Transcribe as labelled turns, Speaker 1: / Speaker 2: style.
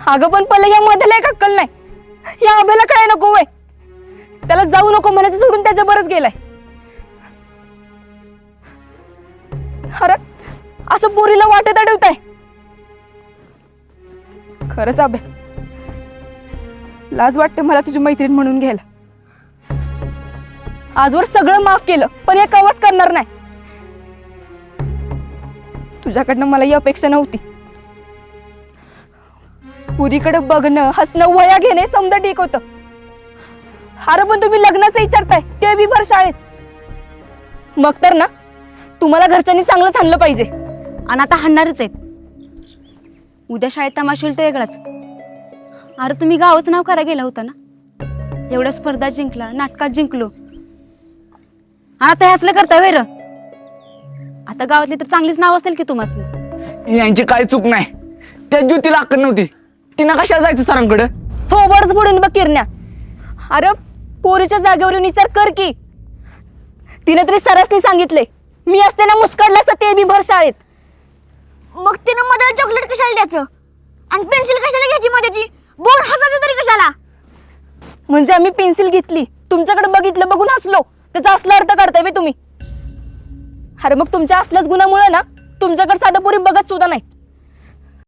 Speaker 1: अगं पण पहिले या मध्येला एक अक्कल नाही, या अभेला काय नको वय, त्याला जाऊ नको म्हणायचं सोडून त्याच्या बरंच गेलाय. अरे असं पोरीला वाटत अडवताय. खरंच अभे, लाज वाटते मला तुझी मैत्रीण म्हणून घ्यायला. आजवर सगळं माफ केलं पण एक आवाज करणार नाही. तुझ्याकडनं मला ही अपेक्षा नव्हती. पुरीकडे बघणं, हसणं, वया घेणे समजा ठीक होतं. अरे पण तुम्ही लग्नाचं विचारताय ते बी भर शाळेत. मग तर ना तुम्हाला घरच्यांनी चांगलंच आणलं पाहिजे.
Speaker 2: आणि आता हाणणारच आहेत. उद्या शाळेत तमाशा होईल तो वेगळाच. अरे तुम्ही गावाचं नाव करायला गेला होता ना, एवढ्या स्पर्धा जिंकला, नाटकात जिंकलो, आणि आता हे असलं करता वेर. आता गावातली तर चांगलीच नाव असेल की तुम्हाला.
Speaker 3: यांची काही चूक नाही. त्या ज्योतीला अक्कल नव्हती, तिनं कशाला जायचं सरांकडे.
Speaker 1: थोबडच बुडून बघ किरण्या. अरे पोरीच्या जागेवरून विचार कर की. तिने तरी सरसनी सांगितले, मी असते ना मुस्कडलं असतं ते बी भर शाळेत.
Speaker 4: मग तिनं मध्ये चॉकलेट कशाला द्यायचं आणि पेन्सिल कशाला घ्यायची मध्येची, बोर्ड हसायचं तरी कशाला.
Speaker 1: म्हणजे आम्ही पेन्सिल घेतली, तुमच्याकडे बघितलं, बघून हसलो, त्याचा असला अर्थ काढताय बे तुम्ही. अरे मग तुमच्या असल्याच गुणामुळे ना तुमच्याकडे साधा पोरी बघत सुद्धा नाही.